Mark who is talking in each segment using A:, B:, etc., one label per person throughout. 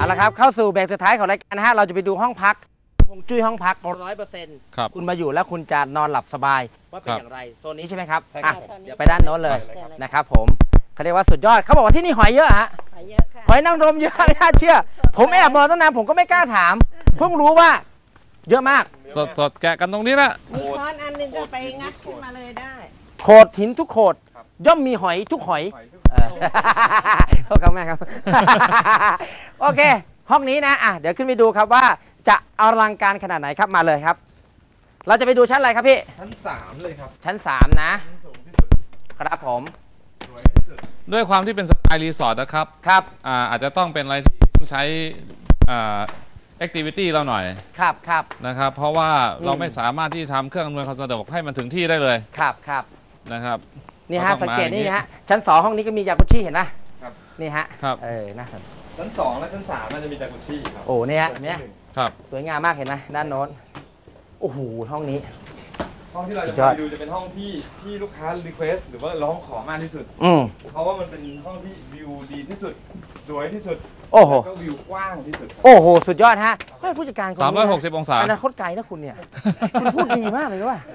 A: ละครับเข้าสู่เบรกสุดท้ายของรายการนะฮะเราจะไปดูห้องพักฮวงจุ้ยห้องพัก100%คุณมาอยู่แล้วคุณจะนอนหลับสบายว่าเป็นอย่างไรโซนนี้ใช่ไหมครับเดี๋ยวไปด้านโน้นเลยนะครับผมเขาเรียกว่าสุดยอดเขาบอกว่าที่นี่หอยเยอะฮะหอยเยอะค่ะหอยนางรมเยอะไม่น่าเชื่อผมแอบมองตั้งนานผมก็ไม่กล้าถามเพิ่งรู้ว่าเยอะมาก
B: สดแกะกันตรงนี้ละ
C: มีค้อนอันนึงก็ไปงัดขึ้นมาเลยได้
A: โขดหินทุกโขดย่อมมีหอยทุกหอยโทษครับแม่ครับโอเคห้องนี้นะเดี๋ยวขึ้นไปดูครับว่าจะอลังการขนาดไหนครับมาเลยครับเราจะไปดูชั้นอะไรครับพี่
D: ชั้น3เลยครับ
A: ชั้น3นะครับผม
B: ด้วยความที่เป็นสไตล์รีสอร์ทนะครับอาจจะต้องเป็นอะไรที่ต้องใช้แอคทิวิตี้เราหน่อย
A: ครับ
B: นะครับเพราะว่าเราไม่สามารถที่ทำเครื่องอำนวยความสะดวกให้มันถึงที่ได้เลย
A: ครับ
B: นะครับ
A: นี่ฮะสังเกตนี่ฮะชั้น2ห้องนี้ก็มีจากุชิเห็นไหมนี่ฮะน่าสนใจ
D: ชั้น2และชั้น3น่าจะมีจากุชิครับ
A: โอ้เนี่ยสวยงามมากเห็นไหมด้านโน้นโอ้โหห้องนี้
D: ห้องที่เราจะไปดูจะเป็นห้องที่ลูกค้ารีเควสหรือว่าร้องขอมากที่สุดเพราะว่ามันเป็นห้องที่วิวดีที่สุดสวยที่สุด
A: โอ้โห
D: ก็วิวกว้างที่สุด
A: โอ้โหสุดยอดฮะผู้จัดการ
B: 360 องศา
A: อนาคตไกลนะคุณเนี่ยคุณพูดดีมากเลยว่า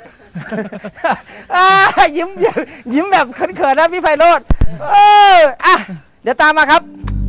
A: ยิ้มแบบเขินๆนะพี่ไพโรจน์เดี๋ยวตามมาครับ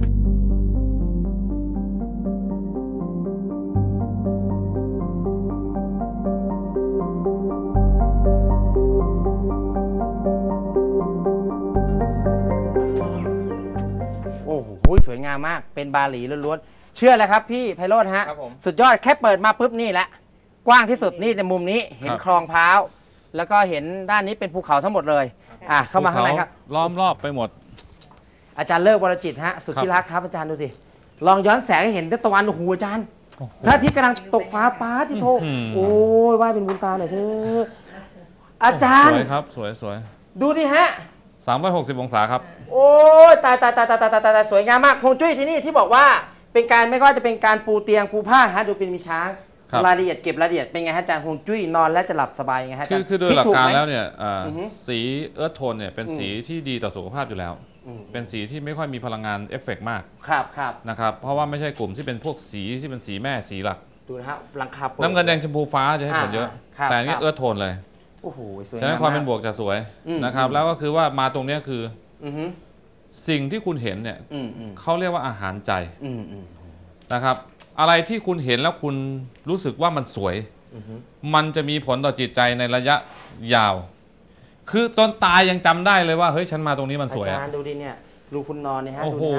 A: โอ้โหสวยงามมากเป็นบาหลีล้วนๆเชื่อเลยครับพี่ไพโรจน์ฮะสุดยอดแค่เปิดมาปุ๊บนี่แหละกว้างที่สุดนี่ในมุมนี้เห็นคลองพร้าวแล้วก็เห็นด้านนี้เป็นภูเขาทั้งหมดเลยเข้ามาข้างในครับ
B: ล้อมรอบไปหมด
A: อาจารย์เลิกวรจิตฮะสุดที่รักครับอาจารย์ดูสิลองย้อนแสงให้เห็นตะวันโอ้โหอาจารย์พระอาทิตย์กำลังตกฟ้าป้าที่โทโอ้ยว่าเป็นบุญตาหน่อยเถอะอาจารย์
B: สวยครับสวย
A: ดูดิฮะ
B: 360 องศาครับ
A: โอ้ยตายสวยงามมากฮวงจุ้ยที่นี่ที่บอกว่าเป็นการไม่ว่าจะเป็นการปูเตียงปูผ้าฮะดูเป็นมีช้างรายละเอียดเก็บรายละเอียดเป็นไงฮะอาจารย์ฮวงจุ้ยนอนและจะหลับสบายไงฮะ
B: คือโดยหลักการแล้วเนี่ยสีเอิร์ธโทนเนี่ยเป็นสีที่ดีต่อสุขภาพอยู่แล้วเป็นสีที่ไม่ค่อยมีพลังงานเอฟเฟกต์มากนะครับเพราะว่าไม่ใช่กลุ่มที่เป็นพวกสีที่เป็นสีแม่สีหลัก
A: ดูนะฮะหลังคา
B: น้ำเงินแดงชมพูฟ้าจะให้ผลเยอะแต่นี่เอิร์ธโทนเลย
A: โอ้โหสวยงาม
B: ฉะนั้นความเป็นบวกจะสวยนะครับแล้วก็คือว่ามาตรงนี้คือสิ่งที่คุณเห็นเนี่ยเขาเรียกว่าอาหารใจนะครับอะไรที่คุณเห็นแล้วคุณรู้สึกว่ามันสวยมันจะมีผลต่อจิตใจในระยะยาวคือตอนตายยังจำได้เลยว่าเฮ้ยฉันมาตรงนี้มันสวย
A: อาจารย์ดูดิเนี่ยรูคุณนอนเนี่ยฮะ
B: โอ้โห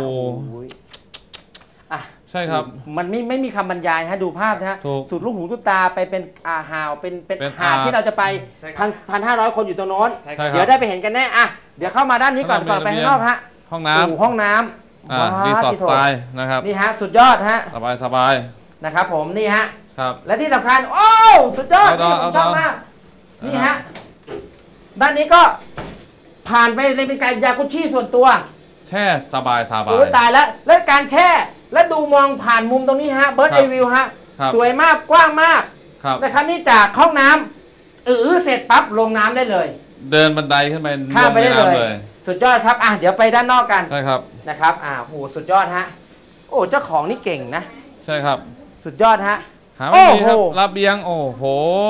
B: ใช่ครับ
A: มันไม่มีคำบรรยายฮะดูภาพนะฮะสุดลูกหูลูกตาไปเป็นหาวเป็นหาดที่เราจะไป1,500 คนอยู่ตรงโน้นเดี๋ยวได้ไปเห็นกันแน่เดี๋ยวเข้ามาด้านนี้ก่อนไปข้างนอกฮะ
B: ห้องน้ำรีสอร์ทสไตล์นะครับ
A: นี่ฮะสุดยอดฮะ
B: สบาย
A: นะครับผมนี่ฮะ
B: ครับ
A: และที่สำคัญโอ้สุดยอดนี่ผมชอบมากนี่ฮะด้านนี้ก็ผ่านไปเลยเป็นการยากุชิส่วนตัว
B: แช่สบาย
A: โอ้ตายแล้วการแช่และดูมองผ่านมุมตรงนี้ฮะเบิร์ดไอวิวฮะสวยมากกว้างมากนะครับนี่จากห้องน้ำเสร็จปั๊บลงน้ำได้เลย
B: เดินบันไดขึ้นไป
A: ข้ามไปได้เลยสุดยอดครับเดี๋ยวไปด้านนอกกัน
B: ใช่ครับ
A: นะครับโหสุดยอดฮะโอ้เจ้าของนี่เก่งนะ
B: ใช่ครับ
A: สุดยอดฮะ
B: โอ้โหระเบียงโอ้โห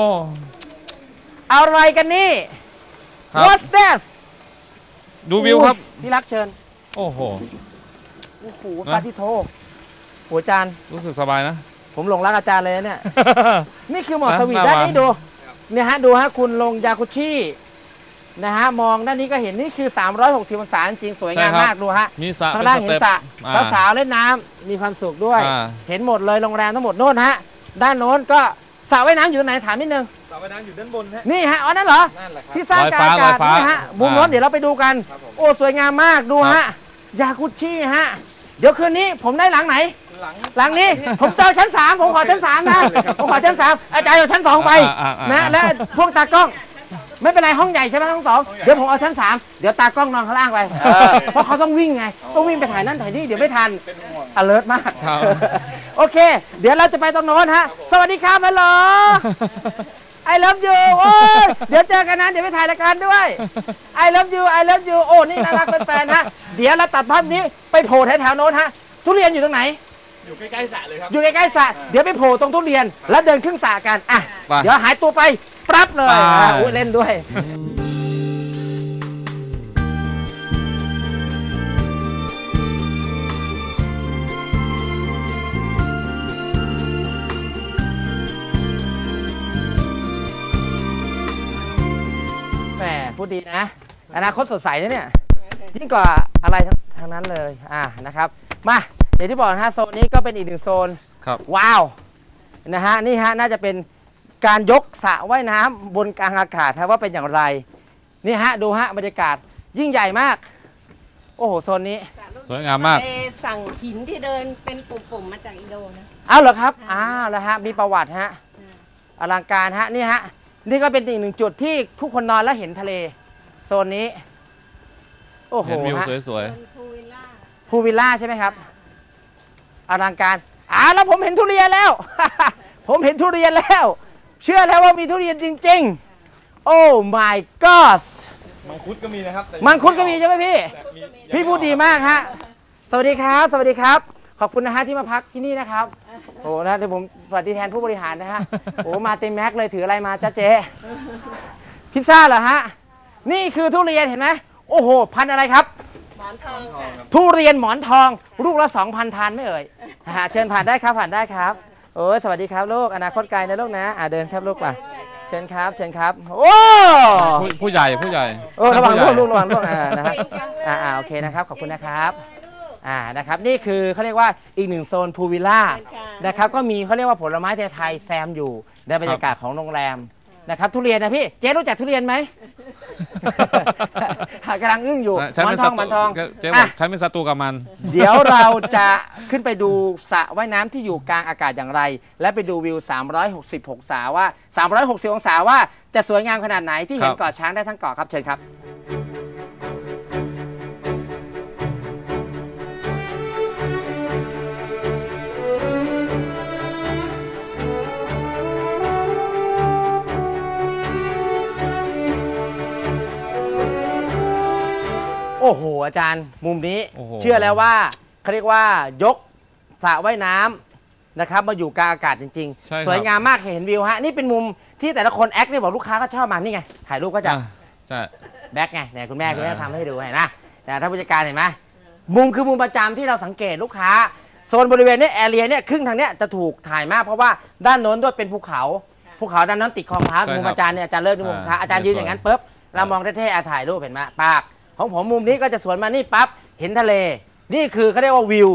A: อะไรกันนี่ What's that
B: ดูวิวครับ
A: ที่รักเชิญ
B: โอ้โห
A: ปาทิโทหัวจาน
B: รู้สึกสบายนะ
A: ผมหลงรักอาจารย์เลยเนี่ยนี่คือหมอกสวีทด้านนี้ดูเนี่ยฮะดูฮะคุณลงยากุชินะฮะมองด้านนี้ก็เห็นนี่คือ360 องศาจริงสวยงามมากดูฮะข้างล่างเห็นสระสาวเล่นน้ำมีความสุขด้วยเห็นหมดเลยโรงแรมทั้งหมดโน่นฮะด้านโน้นก็สระว่ายน้ำอยู่ไหนถามนิดนึง
D: สระว่ายน้ำอยู่ด้านบนฮะ
A: นี่ฮะนั่นเหรอที่สร้างการอากาศนี่ฮะมุมโน้นเดี๋ยวเราไปดูกันโอ้สวยงามมากดูฮะยากุชิฮะเดี๋ยวคืนนี้ผมได้หลังไหนหลังนี้ผมเจอชั้น3ผมขอชั้น3นะผมขอชั้น3อาจารย์เอาชั้น2ไปนะและพวกตากล้องไม่เป็นไรห้องใหญ่ใช่ไหมห้อง2เดี๋ยวผมเอาชั้น3เดี๋ยวตากล้องนอนข้างล่างไปเพราะเขาต้องวิ่งไงต้องวิ่งไปถ่ายนั่นถ่ายนี่เดี๋ยวไม่ทันalert มากโอเคเดี๋ยวเราจะไปตรงโน้นฮะสวัสดีครับฮัลโหลI love you โอ้เดี๋ยวเจอกันนะเดี๋ยวไปถ่ายรายการด้วย I love you โอ้นี่น่ารักเป็นแฟนฮะเดี๋ยวเราตัดภาพนี้ไปโผล่แถวๆโน้นฮะทุเรียนอยู่ตรงไหน
D: อยู่ใกล้ๆสระเลยครับ
A: อยู่ใกล้ๆสระเดี๋ยวไปโผล่ตรงทุเรียน แล้วเดินขึ้นสระกันอ่ะ
B: ไป
A: เดี๋ยวหายตัวไปปรับเลย
B: ไป
A: อุ้ยเล่นด้วยแหมพูดดีนะอนาคตสดใสนะเนี่ยยิ่งกว่าอะไรทางนั้นเลยนะครับมาอย่างที่บอกนะฮะโซนนี้ก็เป็นอีกหนึ่งโซน
B: ครับ
A: ว้าวนะฮะนี่ฮะน่าจะเป็นการยกสระว่ายน้ำบนกลางอากาศว่าเป็นอย่างไรนี่ฮะดูฮะบรรยากาศยิ่งใหญ่มากโอ้โหโซนนี้
B: สวยงามมาก
C: สั่งหินที่เดินเป็นปุ่มๆมาจากอินโดนะ
A: อ้าวเหรอครับอ้าวแล้วฮะมีประวัติฮะอลังการฮะนี่ฮะนี่ก็เป็นอีกหนึ่งจุดที่ทุกคนนอนแล้วเห็นทะเลโซนนี้โอ้โห
B: เห็นวิว
A: ฮะ
B: สวย
C: เป็นพูวิลล่า
A: พูลวิลล่าใช่ไหมครับอลังการแล้วผมเห็นทุเรียนแล้ว ผมเห็นทุเรียนแล้ว เชื่อแล้วว่ามีทุเรียนจริงๆ โอ้ my god
D: มังคุดก็มีนะครับแต่
A: มังคุดก็มีใช่ไหมพี่
D: แต่มี
A: พี่พูดดีมากฮะ สวัสดีครับ สวัสดีครับ ขอบคุณนะฮะที่มาพักที่นี่นะครับ โอ้นะเดี๋ยวผมสวัสดีแทนผู้บริหารนะฮะ โอ้มาเต็มแม็กเลยถืออะไรมาจ้าเจ๊พิซซ่าเหรอฮะ นี่คือทุเรียนเห็นไหมโอ้โห พันธุ์อะไรครับ
C: หมอนทองค่ะ
A: ทุเรียนหมอนทองลูกละ 2,000 ทานไม่เอ่ยเชิญผ่านได้ครับผ่านได้ครับโอ้ยสวัสดีครับลูกอนาคตไกลนะลูกนะเดินครับลูกมาเชิญครับเชิญครับโอ้
B: ๆผู้ใหญ่ผู้ใหญ่
A: ระวัง
B: ผู้ใหญ่
A: ลูกระวังลูกนะครับโอเคนะครับขอบคุณนะครับนะครับนี่คือเขาเรียกว่าอีกหนึ่งโซนพูลวิลล่านะครับก็มีเขาเรียกว่าผลไม้ไทยๆแซมอยู่ในบรรยากาศของโรงแรมนะครับทุเรียนนะพี่เจ๊รู้จักทุเรียนไหม กำลังอึ้งอยู่หมอนทองหมอนทอง
B: เจ๊บอกใช้เป็นศัตรูกับมัน
A: เดี๋ยวเราจะขึ้นไปดูสระว่ายน้ำที่อยู่กลางอากาศอย่างไร และไปดูวิว 360 องศาว่า 360 องศาว่าจะสวยงามขนาดไหนที่เห็น
B: ครับ
A: เกาะช้างได้ทั้งเกาะครับเชิญครับ โอ้โหอาจารย์มุมนี้
B: โอ้โห
A: เชื่อแล้วว่าเขาเรียกว่ายกสระว่ายน้ำนะครับมาอยู่กลางอากาศจริง
B: ใช่ครับ
A: ๆ สวยงามมากเห็นวิวฮะนี่เป็นมุมที่แต่ละคนแอคเนี่ยบอกลูกค้าก็ชอบมานี่ไงถ่ายรูปก็จะ
B: ใช่
A: แบ็คไงเนี่ยคุณแม่ทำให้ดูเห็นนะแต่ถ้าผู้จัดการเห็นไหมมุมคือมุมประจำที่เราสังเกตลูกค้าโซนบริเวณนี้แอเรียเนี่ยครึ่งทางเนี้ยจะถูกถ่ายมากเพราะว่าด้านโน้นด้วยเป็นภูเขาด้านนั้นติดคลองพระมุมอาจารย์เนี่ยอาจารย์เลิศมุมอาจารย์ยืนอย่างนั้นปุ๊บเรามองเท่ๆถ่ายรูปเห็นไหมปากของผมมุมนี้ก็จะสวนมานี่ปั๊บเห็นทะเลนี่คือเขาเรียกว่าวิว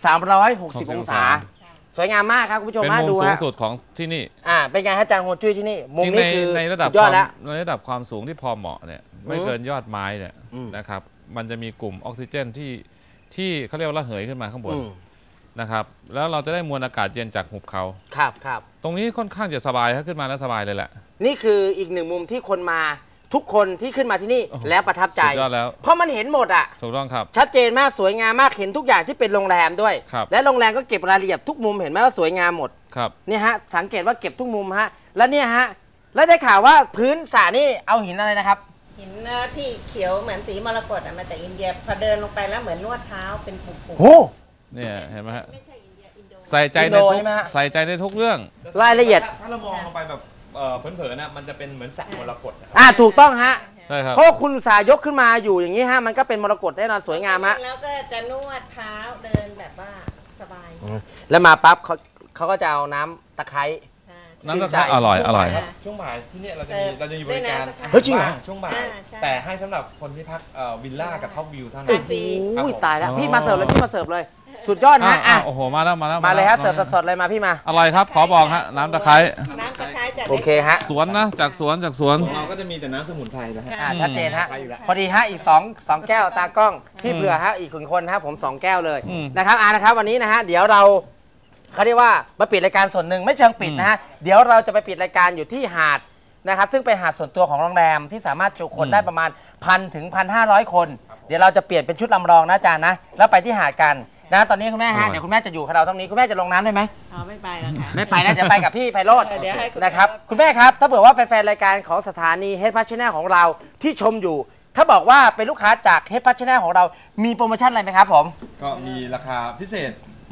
A: 360 องศาสวยงามมากครับคุณผู้ชม
B: เป็น
A: มา
B: มุม
A: ดู
B: สูง
A: ฮะ
B: สุดของที่นี่
A: เป็นไงฮะอาจารย์โฮจุ้ยที่นี่มุม
B: จริง
A: นี้คือ
B: ในระดับ
A: สุดยอดแล้ว
B: ในระดับความสูงที่พอเหมาะเนี่ยไม่เกินยอดไม้เนี่ย
A: อืม
B: นะครับมันจะมีกลุ่มออกซิเจนที่เขาเรียกว่าระเหยขึ้นมาข้างบน
A: อืม
B: นะครับแล้วเราจะได้มวลอากาศเย็นจากหุบเขา
A: ครับ
B: ตรงนี้ค่อนข้างจะสบายถ้าขึ้นมาแล้วสบายเลยแหละ
A: นี่คืออีกหนึ่งมุมที่คนมาทุกคนที่ขึ้นมาที่นี่
B: โอ้โห
A: แล้วประทับใจ
B: สุดยอดแล้ว
A: เพราะมันเห็นหมดอ่ะ
B: ถูกต้องครับ
A: ชัดเจนมากสวยงามมากเห็นทุกอย่างที่เป็นโรงแรมด้วย
B: ครับ
A: และโรงแรมก็เก็บรายละเอียดทุกมุมเห็นไหมว่าสวยงามหมด
B: ครับ
A: เนี่ยฮะสังเกตว่าเก็บทุกมุมฮะแล้วเนี่ยฮะแล้วได้ข่าวว่าพื้นสระนี่เอาหินอะไรนะครับ
C: หินที่เขียวเหมือนสีมรกตมาจากอินเดียพอเดินลงไปแล้วเหมือนนวดเท้าเป็นปุ่ม
A: โอ้
B: เนี่ยเห็นไหมฮะ
C: ๆไม่ใช่อินเดียอินโด
B: ใส่ใจ
A: อิน
B: ใน
A: โด
B: ทุก
A: ใช่ไหมฮะ
B: ใส่ใจในทุกเรื่อง
A: รายละเอียด
D: ถ้าเรามองลงไปแบบเผินๆนะมันจะเป็นเหมือนสระมรกตนะครับ
A: ถูกต้องฮะ
B: ใช่ครับ
A: เพราะว่าคุณอุตสาห์ยกขึ้นมาอยู่อย่างนี้ฮะมันก็เป็นมรกตแน่นอนสวยงามฮะ
C: แล้วก็จะนวดเท้าเดินแบบว่าสบาย
A: แล้วมาปั๊บเขาก็จะเอาน้ำตะไคร้
B: น้ำตะไคร้อร่อยอร่อย
D: ช่วงบ่ายที่เนี่ยเรา
C: เสิร์ฟ
D: จะมีบริการ
C: ด้วยนะ
A: เฮ้ยจริงเหรอ
D: ช่วงบ่าย
C: ใช่
D: แต่ให้สำหรับคนที่พักวิลล่ากับท็อปวิวเท่านั้
C: โอ้
D: น
C: โห
D: ครับผม
A: ตายแล้ว
B: อ๋อ
A: พี่มาเสิร์ฟเลยพี่มาเสิร์ฟเลย สุดยอดฮะ
B: โอ้โหมาแล้ว
A: มาเลยฮะเสิร์ฟสดๆเลยมาพี่มา
B: อร่อยครับขอบอกฮะน้ำตะไคร้
C: น้ำตะไคร้จาก
A: โอเคฮะ
B: สวนนะจากสวน
D: ของเราก็จะมีแต่น้ำสมุนไพรนะฮะ
A: ชัดเจนฮะ
D: ไปอยู่แล้ว
A: พอดีฮะอีก2แก้วตากล้องพี่เผื่อฮะอีกคนฮะผม2แก้วเลย
B: อืม
A: นะครับนะครับวันนี้นะฮะเดี๋ยวเราเขาเรียกว่ามาปิดรายการส่วนหนึ่งไม่เชิงปิดนะฮะเดี๋ยวเราจะไปปิดรายการอยู่ที่หาดนะครับซึ่งเป็นหาดส่วนตัวของโรงแรมที่สามารถจุคนได้ประมาณ 1,000 ถึง 1,500 คน เดี๋ยวเราจะเปลี่ยนเป็นชุดลำรองนะอาจารย์นะแล้วไปที่หาดกันนะตอนนี้คุณแม่ฮะเดี๋ยวคุณแม่จะอยู่กับเราตรงนี้คุณแม่จะลงน้ำได้ไหม
C: ไม่ไปแล้วค่ะ
A: ไม่ไปนะจะไปกับพี่ไพโรจน์
C: เดี๋ยวให้
A: นะครับคุณแม่ครับถ้าเผื่อว่าแฟนๆรายการของสถานีเฮดพัชแนลของเราที่ชมอยู่ ถ้าบอกว่าเป็นลูกค้าจากเฮดพัชแนลของเรามีโปรโมชั่นอะไรไหมครับผม
D: ก็มีราคาพิเศษ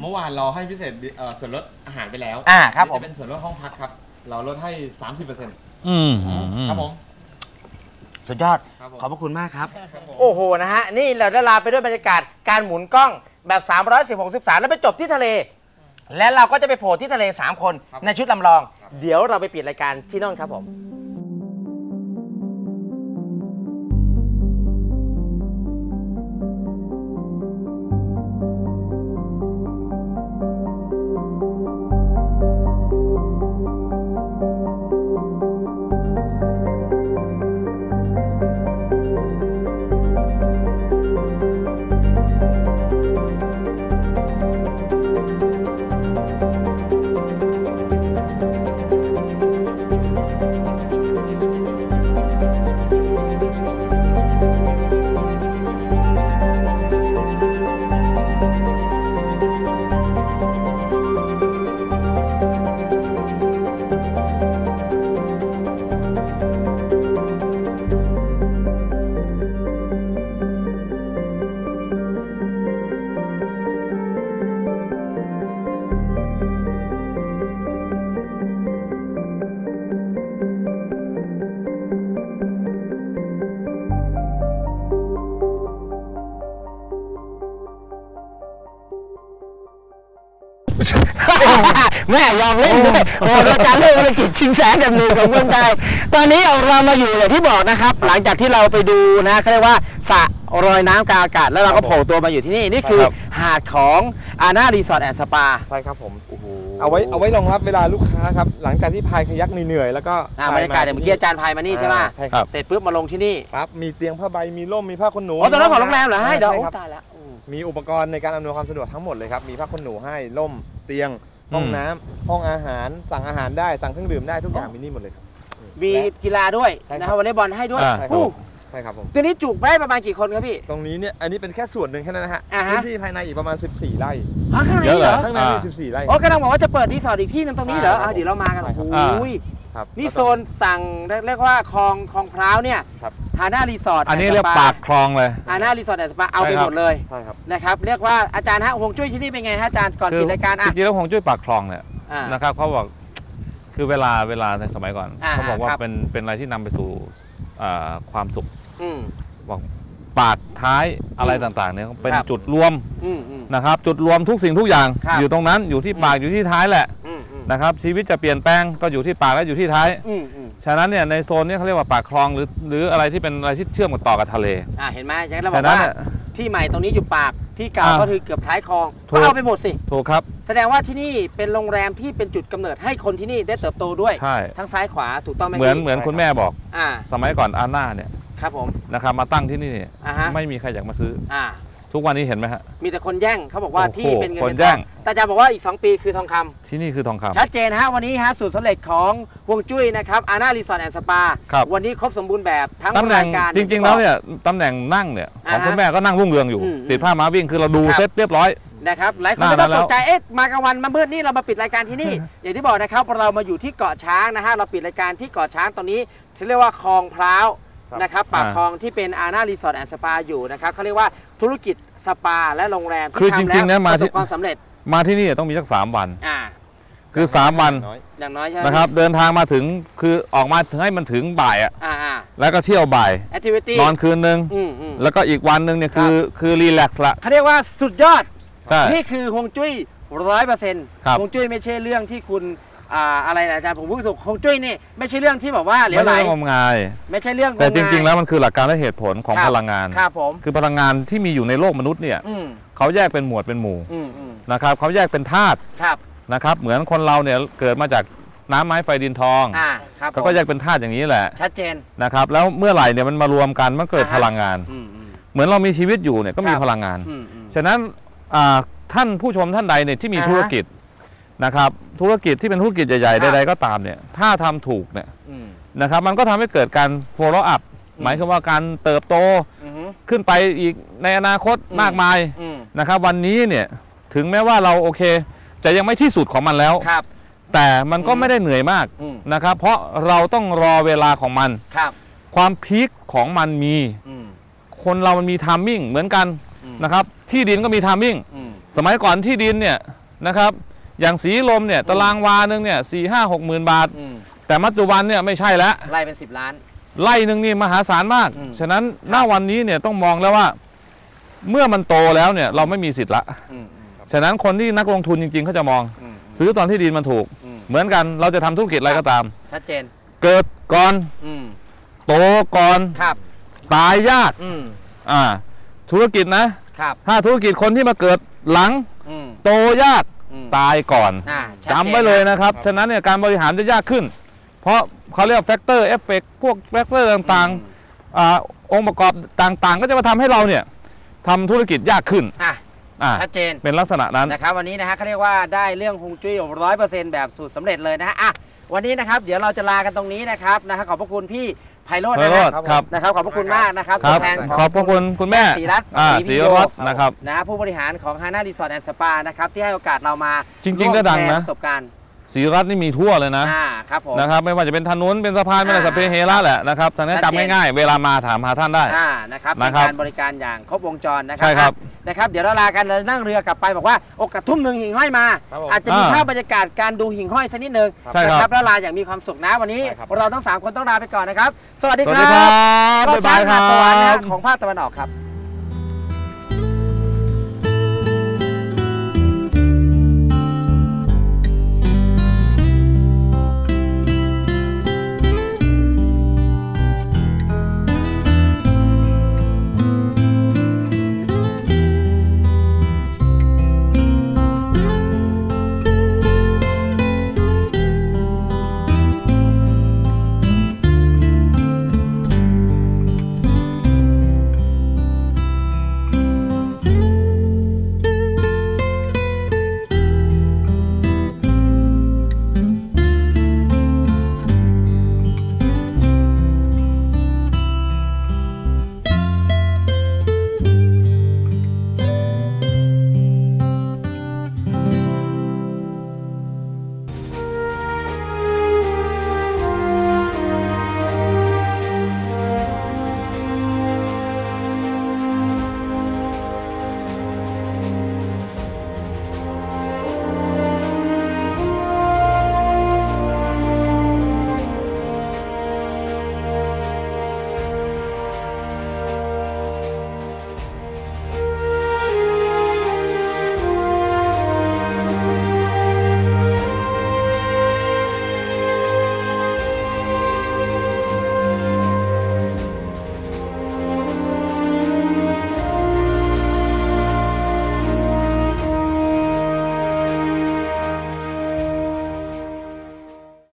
D: เมื่อวานเราให้พิเศษส่วนลดอาหารไปแล้ว
A: ครับผม
D: จะเป็นส่วนลดห้องพักครับ เราลดให้ 30% ครับผม
A: สุดยอด
D: ครับผม
A: ขอบพระคุณมากครับ
D: ครับผม
A: โอ้โหนะฮะนี่เราได้ลาไปด้วยบรรยากาศการหมุนกล้องแบบ310 60 แล้วไปจบที่ทะเล และเราก็จะไปโผล่ที่ทะเล3คนในชุดลำลอง เดี๋ยวเราไปปิดรายการที่นั่นครับผม แม่ยอมเล่นด้วยโอ้อาจารย์เรื่องธุรกิจชิงแสนแบบหนึ่งของเมืองไทยตอนนี้เรามาอยู่อย่างที่บอกนะครับหลังจากที่เราไปดูนะเขาเรียกว่าสระรอยน้ำกลางอากาศแล้วเราก็โผล่ตัวมาอยู่ที่นี่นี่คือหาดของอาน่ารีสอร์ทแอนด์สปา
D: ใช่ครับผมเอาไว้รองรับเวลาลูกค้าครับหลังจากที่พายคายักเหนื่อยแล้วก็
A: บรรยากาศอย่างเมื่อกี้อาจารย์พายมานี่ใช่ไหม
D: ใช่ครับ
A: เสร็จปุ๊บมาลงที่นี่
D: ครับมีเตียงผ้าใบมีร่มมีผ้าขนหนู
A: อ๋อตอนนั้นของโรงแรมเหรอให้เดี๋ยว
D: ใช่
A: โอ้
D: ครับ
A: ตายแล้ว
D: มีอุปกรณ์ในการอำนวยความสะดวกทั้งหมดเลยครับมีผ้าขนหนูให้ร่มเตียงห้องน้ำห้องอาหารสั่งอาหารได้สั่งเครื่องดื่มได้ทุกอย่างมีนี่หมดเลยครับ
A: มีกีฬาด้วย
D: ใช่ครับ
A: นะครับวอลเลย์บอลให้ด้วย
D: ใช่ครับ
A: อู้
D: ใช่ครับผม
A: ตัวนี้จุได้ประมาณกี่คนครับพี่
D: ตรงนี้เนี่ยอันนี้เป็นแค่ส่วนหนึ่งแค่นั้นนะฮะ
A: อ่าฮะ
D: พื้นที่ภายในอีกประมาณ14 ไร่
A: อ๋อข้างใน
B: เยอะ
A: เหรอ
B: เลย
D: ข้างในมี14 ไร่
A: โอ้กำลังบอกว่าจะเปิดรีสอร์ทอีกที่หนึงตรงนี้เหรอ
D: ใช่ครับ
A: เดี๋ยวเรามากัน
D: ใช่ครับ
A: โอ้ย
D: ครับ
A: นี่โซนสั่งเรียกว่าคลองพร้าวเนี่ย
D: ครับ
A: ฮาน่ารีสอร์ท
B: อันนี้เรียกปากคลองเลย
A: ฮาน่ารีสอร์ทแอนด์สปาเอาไป
B: ใช่ครับ
A: หมดเลย
D: ใช่ครับ
A: นะครับเรียกว่าอาจารย์ฮะฮวงจุ้ยที่นี่เป็นไงฮะอาจารย์ก่อนปิดรายการ
B: จ
A: อ่ะ
B: ริงๆแล้วฮวงจุ้ยปากคลองเนี่ย
A: อ่าน
B: นะครับเขาบอกคือเวลาในสมัยก่อน เขาบอกว่า
A: ครับ
B: เป็นอะไรที่นำไปสู่ความสุข
A: อืม
B: บอกปากท้ายอะไรต่างๆเนี่ยเป็น
A: ครับ
B: จุดรวม
A: อืม
B: นะครับจุดรวมทุกสิ่งทุกอย่าง
A: ครับ
B: อยู่ตรงนั้นอยู่ที่ปากอยู่ที่ท้ายแหละ
A: อืม
B: นะครับชีวิตจะเปลี่ยนแปลงก็อยู่ที่ปากและอยู่ที่ท้าย
A: อืม
B: ฉะนั้นเนี่ยในโซนนี้เขาเรียกว่าปากคลองหรืออะไรที่เป็นอะไรที่เชื่อมต่อกับทะเล
A: เห็นไหมอย่างนั้นเราบ
B: ฉะ
A: อก
B: นั้น
A: ว่า
B: เนี่ย
A: ที่ใหม่ตรงนี้อยู่ปากที่เก่า
B: อ่า
A: ก็คือเกือบท้ายคลอง
B: ถู
A: ก็
B: ก
A: เอาไปหมดสิ
B: ถูกครับ
A: แสดงว่าที่นี่เป็นโรงแรมที่เป็นจุดกำเนิดให้คนที่นี่ได้เติบโตด้วย
B: ใช่
A: ทั้งซ้ายขวาถูกต้องไหม
B: เหมือน
A: พี่
B: เหมือนคุณแม่บอก
A: อ่า
B: สมัยก่อนอาน่าเนี่ย
A: ครับผม
B: นะครับมาตั้งที่นี่เนี่ย
A: อ่าฮะ
B: ไม่มีใครอยากมาซื้อ
A: อ่า
B: ทุกวันนี้เห็นไหมฮะ
A: มีแต่คนแย่งเขาบอกว่า
B: โอ้โห
A: ที่เป็นเงิน
B: คน
A: เป็น
B: แย่
A: ทอง งแต่อาจารย์บอกว่าอีก 2 ปีคือทองคำ
B: ที่นี่คือทองคำ
A: ชัดเจนฮะวันนี้ฮะสูตรสำเร็จของฮวงจุ้ยนะครับอาน่ารีสอร์ทแอนด์สปา
B: ครับ
A: วันนี้ครบสมบูรณ์แบบทั้ง
B: ตำแหน่
A: ราง ยการ
B: จริงๆแล้วเนี่ยตำแหน่งนั่งเนี่ยของคุณแม่ก็นั่งรุ่งเรืองอยู่
A: อืม
B: ติดผ้าม้าวิ่งคือเราดู
A: ครับ
B: เซ็ตเรียบร้อย
A: นะครับหลายคน
B: น่า
A: จะต้อง
B: แล้
A: ต
B: ว
A: กใจเอ๊ะมากลางวันมามืดนี่เรามาปิดรายการที่นี่ อย่างที่บอกนะครับเรามาอยู่ที่เกาะช้างนะฮะเราปิดรายการที่เกาะช้างตอนนี้ที่เรียกว่าคลองพร้าวนะครับปากคลองที่เป็นอาน่ารีสอร์ทแอนด์สปาอยู่นะครับเขาเรียกว่าธุรกิจสปาและโรงแรม
B: คือ
A: ที่
B: จริ
A: ทำ
B: งๆ
A: แล้ว
B: นะ
A: ป
B: มา
A: ระส
B: ที่
A: บความสำเร็จ
B: มาที่นี่ต้องมีสัก3 วัน
A: อ่า
B: คือ 3 วัน
D: น้อย
A: อย่างน้อยใช่ไหม
B: นะครับเดินทางมาถึงคือออกมาถึงให้มันถึงบ่ายอ่ะ
A: อ่า
B: แล้วก็เที่ยวบ่าย
A: แอคทิวิตี้
B: นอนคืนนึง
A: อืม
B: แล้วก็อีกวันนึงเนี่ยคือรีแลกซ์ละ
A: เขาเรียกว่าสุดยอด
B: ใช่
A: นี่คือฮวงจุ้ย100%
B: ครับ
A: ฮวงจุ้ยไม่ใช่เรื่องที่คุณอะไรนะอาจารย์ผมพูดถูกฮวงจุ้ยนี่ไม่ใช่เรื่องที่แบบว่าเหลว
B: ไม่
A: ไหล
B: ได้งมงาย
A: ไม่ใช่เรื่อง
B: แต่จ
A: งม
B: ริง
A: งาย
B: ๆ แล้วมันคือหลักการและเหตุผลของ
A: ครับ
B: พลังงาน
A: ครับผม
B: คือพลังงานที่มีอยู่ในโลกมนุษย์เนี่ย
A: อืม
B: เขาแยกเป็นหมวดเป็นหมู่
A: อืม
B: นะครับเขาแยกเป็นธาตุ
A: ครับ
B: นะครับเหมือนคนเราเนี่ยเกิดมาจากน้ำไม้ไฟดินทอง
A: ครับ
B: เขาก็แยกเป็นธาตุอย่างนี้แหละ
A: ชัดเจน
B: นะครับแล้วเมื่อไหร่เนี่ยมันมารวมกันมันเกิดพลังงาน
A: อืม
B: เหมือนเรามีชีวิตอยู่เนี่ยก็มี
A: ครับ
B: พลังงาน
A: อืม
B: ฉะนั้นท่านผู้ชมท่านใดเนี่ยที่มี
A: อ่าฮะ
B: ธุรกิจนะครับธุรกิจที่เป็นธุรกิจใหญ่
A: ครับ
B: ๆใดๆก็ตามเนี่ยถ้าทำถูกเนี่ย
A: อืม
B: นะครับมันก็ทำให้เกิดการ follow up หมายความว่าการเติบโต
A: อืม
B: ขึ้นไปอีกในอนาคต
A: อืม
B: มากมาย
A: อืม
B: นะครับวันนี้เนี่ยถึงแม้ว่าเราโอเคจะยังไม่ที่สุดของมันแล้ว
A: ครับ
B: แต่มันก็ไม่ได้เหนื่อยมาก
A: อืม
B: นะครับเพราะเราต้องรอเวลาของมัน
A: ครับ
B: ความพีคของมันมี
A: อืม
B: คนเรามันมีไทมิ่งเหมือนกัน
A: อืม
B: นะครับที่ดินก็มีไทมิ่ง
A: อืม
B: สมัยก่อนที่ดินเนี่ยนะครับอย่างสีลมเนี่ยตารางวาหนึ่งเนี่ย4-5-6 หมื่นบาทแต่ปัจจุบันเนี่ยไม่ใช่แล้ว
A: ไล่เป็น10 ล้าน
B: ไร่หนึ่งนี่มหาศาลมากฉะนั้นณวันนี้เนี่ยต้องมองแล้วว่าเมื่อมันโตแล้วเนี่ยเราไม่มีสิทธิ์ละฉะนั้นคนที่นักลงทุนจริงๆเขาจะมองซื้อตอนที่ดินมันถูกเหมือนกันเราจะทำธุรกิจอะไรก็ตาม
A: ชัดเจน
B: เกิดก่อนโตก่อนตายยากธุรกิจนะถ้าธุรกิจคนที่มาเกิดหลังโตยากตายก่อนจำไว้เลยนะครับฉะนั้นเนี่ยการบริหารจะยากขึ้นเพราะเขาเรียกแฟกเตอร์เอฟเฟกพวกแฟกเตอร์ต่างๆองค์ประกอบต่างๆก็จะมาทำให้เราเนี่ยทำธุรกิจยากขึ้น
A: ชัดเจน
B: เป็นลักษณะนั้น
A: นะครับวันนี้นะฮะเขาเรียกว่าได้เรื่องฮวงจุ้ย100%แบบสูตรสำเร็จเลยนะฮะวันนี้นะครับเดี๋ยวเราจะลากันตรงนี้นะครับขอบพระคุณพี่ไพโรจน์นะครับขอบพระคุณมากนะครับตัวแทน
B: ขอบพระคุณคุณแม่
A: ศรีรัตน์
B: นะครับ
A: ผู้บริหารของฮาน่ารีสอร์ทแอนด์สปานะครับที่ให้โอกาสเรามา
B: จริงๆก็ดังนะ
A: ประสบการณ์
B: ศรีรัตน์นี่มีทั่วเลยนะครับผมนะครับไม่ว่าจะเป็นถนนเป็นสะพานเป็นสเปเฮระแหละนะครับทางนี้จำง่ายๆเวลามาถามหาท่านได้
A: นะครับในการบริการอย่างครบวงจรนะครับเดี๋ยวเราลากันเรานั่งเรือกลับไปบอกว่าโอกาสทุ่มหนึ่งหิ่งห้อยมาอาจจะมีภาพบรรยากาศการดูหิ่งห้อยสักนิดนึงนะครับแล้วลาอย่างมีความสุขนะวันนี้เราทั้ง3คนต้องลาไปก่อนนะครับสวัสดีครับ
B: บ๊ายบายครับ
A: สวรรค์ของภาคตะวันออกครับ